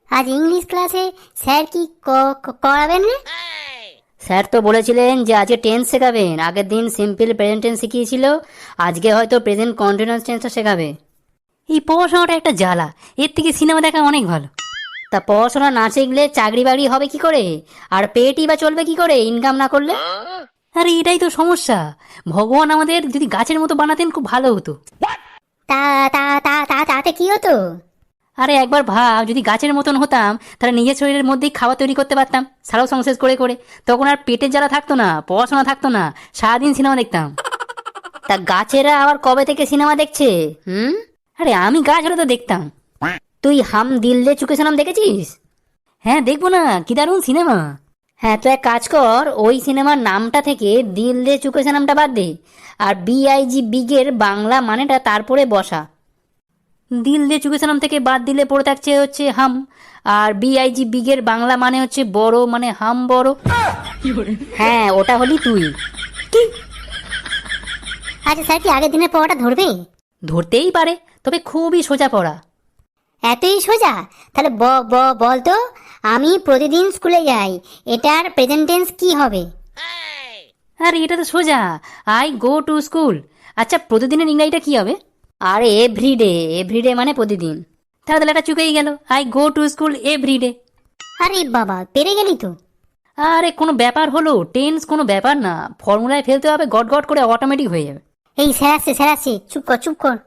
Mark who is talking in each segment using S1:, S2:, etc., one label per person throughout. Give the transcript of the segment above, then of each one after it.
S1: আজ ইংলিশ ক্লাসে স্যার কি করাবেন রে?
S2: স্যার তো বলেছিলেন যে আজকে টেন্স শেখাবেন। আগের দিন সিম্পল প্রেজেন্ট টেন্স শিখিয়েছিল, আজকে হয়তো প্রেজেন্ট কন্টিনিউয়াস টেন্সটা শেখাবে। এই পড়াশোনাটা একটা জ্বালা, এর থেকে সিনেমা দেখা অনেক ভালো। তা পড়াশোনা না শিখলে চাকরি বাকরি হবে কি করে, আর পেটই বা চলবে কি করে ইনকাম না করলে? আরে এটাই তো সমস্যা। ভগবান আমাদের যদি গাছের মতো বানাতেন খুব ভালো হতো।
S1: তা তা তা তা তাতে কি হতো?
S2: আরে একবার ভাব, যদি গাছের মতন হতাম তাহলে নিজের শরীরের মধ্যেই খাবার তৈরি করতে পারতাম সারা সংশেষ করে করে। তখন আর পেটের জ্বালা থাকতো না, পড়াশোনা থাকতো না, সারাদিন সিনেমা দেখতাম। তা গাছেরা আবার কবে থেকে সিনেমা দেখছে? আরে আমি গাছ হলে তো দেখতাম। তুই হাম দিল দে চুকে সনম দেখেছিস? হ্যাঁ দেখবো না, কি দারুণ সিনেমা। হ্যাঁ তো এক কাজ কর, ওই সিনেমার নামটা থেকে দিল দে চুকে সনমটা বাদ দে, আর বিআইজি বিগের বাংলা মানেটা তারপরে বসা। দিল দে চুকে সনম থেকে বাদ দিলে পড়ে থাকছে হচ্ছে হাম, আর বিআইজি বিগের বাংলা মানে হচ্ছে বড়, মানে হাম বড়। হ্যাঁ ওটা হলি তুই। কি?
S1: আচ্ছা স্যার কি আগের দিনের পড়াটা ধরবে?
S2: ধরতেই পারে, তবে খুবই সোজা পড়া।
S1: এতই সোজা? তাহলে বল তো, আমি প্রতিদিন স্কুলে যাই, এটার প্রেজেন্ট টেন্স কি হবে?
S2: আরে এটা তো সোজা, আই গো টু স্কুল। আচ্ছা প্রতিদিনের ইংরাজিটা কি হবে? আরে এভরিডে, এভরিডে মানে প্রতিদিন। তাহলে এটা চুকেই গেল, I go to school everyday.
S1: আরে বাবা, পেরে গেলি তো।
S2: আরে কোনো ব্যাপার হলো, টেন্স কোনো ব্যাপার না, ফর্মুলায় ফেলতে হবে, গট গট করে অটোমেটিক হয়ে যাবে।
S1: এই স্যার আসছে, চুপ কর চুপ কর।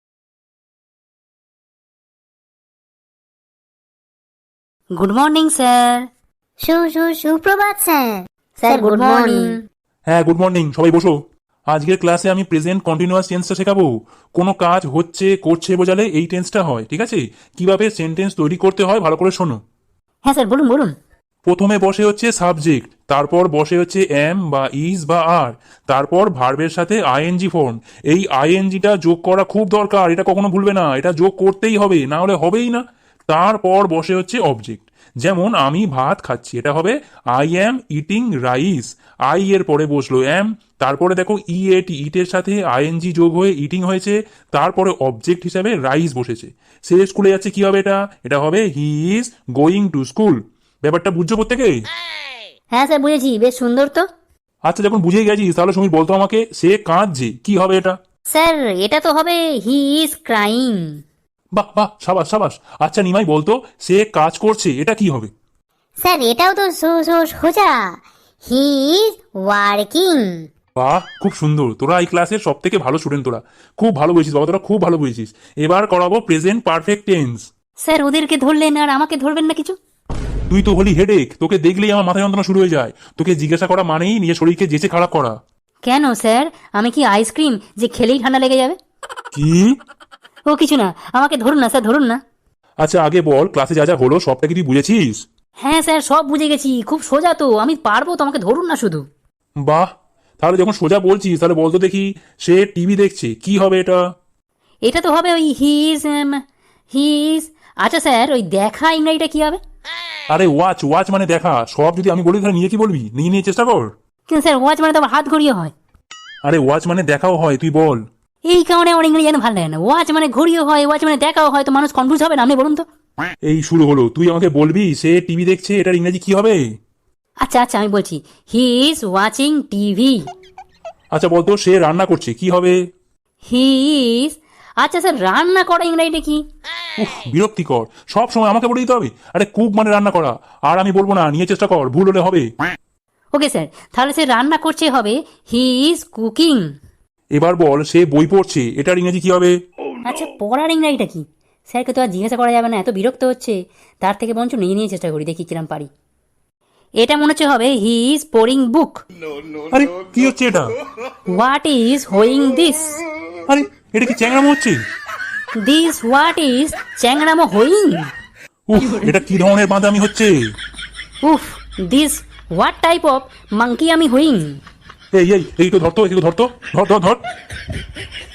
S2: Good morning sir.
S1: সুপ্রভাত স্যার।
S2: Sir good morning.
S3: হ্যাঁ গুড মর্নিং, সবাই বসো। আজকের ক্লাসে আমি প্রেজেন্ট কন্টিনিউয়াস টেন্সটা শেখাবো। কোনো কাজ হচ্ছে করছে বোঝালে এই টেন্সটা হয়, ঠিক আছে? কিভাবে সেন্টেন্স তৈরি করতে হয় ভালো করে শোনো।
S2: হ্যাঁ স্যার বলুন বলুন।
S3: প্রথমে বসে হচ্ছে সাবজেক্ট, তারপর বসে হচ্ছে এম বা ইজ বা আর, তারপর ভার্বের সাথে আইএনজি ফর্ম। এই আইএনজিটা যোগ করা খুব দরকার, এটা কখনো ভুলবে না, এটা যোগ করতেই হবে, না হলে হবেই না। তারপর বসে হচ্ছে অবজেক্ট, যেমন আমি ভাত খাচ্ছি, এটা হবে I am eating rice. I এর পরে বসলো এম, তারপরে দেখো ইটের সাথে আইএনজি যোগ হয়ে ইটিং হয়েছে, তারপরে অবজেক্ট হিসাবে রাইস বসেছে। সে স্কুলে যাচ্ছে, কি হবে এটা? এটা হবে he is going to school. ব্যাপারটা বুঝছো প্রত্যেকে?
S2: হ্যাঁ স্যার বুঝেছি, বেশ সুন্দর তো।
S3: আচ্ছা যখন বুঝে গেছিস তাহলে সমীর বলতো আমাকে, সে কাঁদছে, কি হবে এটা?
S2: স্যার এটা তো হবে হি ইজ ক্রাইং।
S3: বাহ বাহ, সাবাস সাবাস। আচ্ছা নিমাই বলতো, সে কাজ করছে, এটা কি হবে?
S1: স্যার এটাও তো সোজা, হি ইজ ওয়ার্কিং।
S3: বাহ খুব সুন্দর, তোরা এই ক্লাসের সব থেকে ভালো স্টুডেন্ট, তোরা খুব ভালো বুঝেছিস বাবা, তোরা খুব ভালো বুঝেছিস। এবার করাবো প্রেজেন্ট পারফেক্ট টেন্স।
S2: স্যার ওদেরকে ধরলেন আর আমাকে ধরবেন না কিছু?
S3: তুই তো হলি হেডেক, তোকে দেখলেই আমার মাথা যন্ত্রণা শুরু হয়ে যায়। তোকে জিজ্ঞাসা করা মানেই নিজের শরীরকে যেচে খারাপ করা।
S2: কেন স্যার, আমি কি আইসক্রিম যে খেলেই ঠান্ডা লেগে যাবে?
S3: কি?
S2: ও কিছু না, আমাকে ধরুন না স্যার, ধরুন না।
S3: আচ্ছা আগে বল, ক্লাসে যা যা হলো সবটা কি তুই বুঝেছিস?
S2: হ্যাঁ স্যার সব বুঝে গেছি, খুব সোজা তো, আমি পারবো তো, আমাকে ধরুন না শুধু।
S3: বাহ, তাহলে যখন সোজা বলছিস তাহলে বলতো দেখি, সে টিভি দেখছে, কি হবে এটা?
S2: এটা তো হবে ওই হিজ। আচ্ছা স্যার ওই দেখা ইংরাজিটা কি হবে?
S3: আরে ওয়াচ, ওয়াচ মানে দেখা। সব যদি আমি বলি তাহলে নিজে কি বলবি? নিজে নিয়ে চেষ্টা কর।
S2: কিন্তু স্যার ওয়াচ মানে তো আবার হাত ঘড়িয়ে হয়।
S3: আরে ওয়াচ মানে দেখাও হয়, তুই বল।
S2: এই কারণে আমার ইংরেজি যেন ভালো লাগে না। ওয়াচ মানে ঘড়িও হয়, ওয়াচ মানে দেখাও হয়, তো মানুষ কনফিউজ হবে না? আপনি বলুন তো।
S3: এই শুরু হলো, তুই আমাকে বলবি সে টিভি দেখছে, এটার ইংরেজি কি হবে?
S2: আচ্ছা আচ্ছা আমি বলছি, হি ইজ ওয়াচিং টিভি।
S3: আচ্ছা বলতো, সে রান্না করছে, কি হবে?
S2: He is. আচ্ছা স্যার রান্না করা ইংরাজিটা কি?
S3: উফ বিরক্তিকর, সব সময় আমাকে বলে দিতে হবে। আরে কুক মানে রান্না করা, আর আমি বলবো না, নিয়ে চেষ্টা কর, ভুল হলে হবে।
S2: ওকে স্যার, তাহলে সে রান্না করছে হবে হি ইজ কুকিং।
S3: এবার বল, সে বই পড়ছে, এটার ইংরেজি কি হবে?
S2: আচ্ছা পড়ার ইংরাজিটা কি? স্যারকে তো আর জিজ্ঞাসা করা যাবে না, এত বিরক্ত হচ্ছে। তার থেকে বঞ্চ নিয়ে নিয়ে চেষ্টা করি, দেখি কিরম পারি। এটা মনে হচ্ছে হবে হি ইজ পোরিং বুক।
S3: আরে কি হচ্ছে এটা?
S2: হোয়াট ইজ হোয়িং দিস?
S3: আরে এটা কি চ্যাংড়ামো হচ্ছে?
S2: দিস হোয়াট ইজ চ্যাংড়ামো হোয়িং?
S3: উফ, এটা কি ধরনের বাঁধামি হচ্ছে?
S2: উফ, this what type of monkey আমি হোয়িং?
S3: এই এই এই তো ধরতো, এই তো ধরতো, ধর ধর ধর।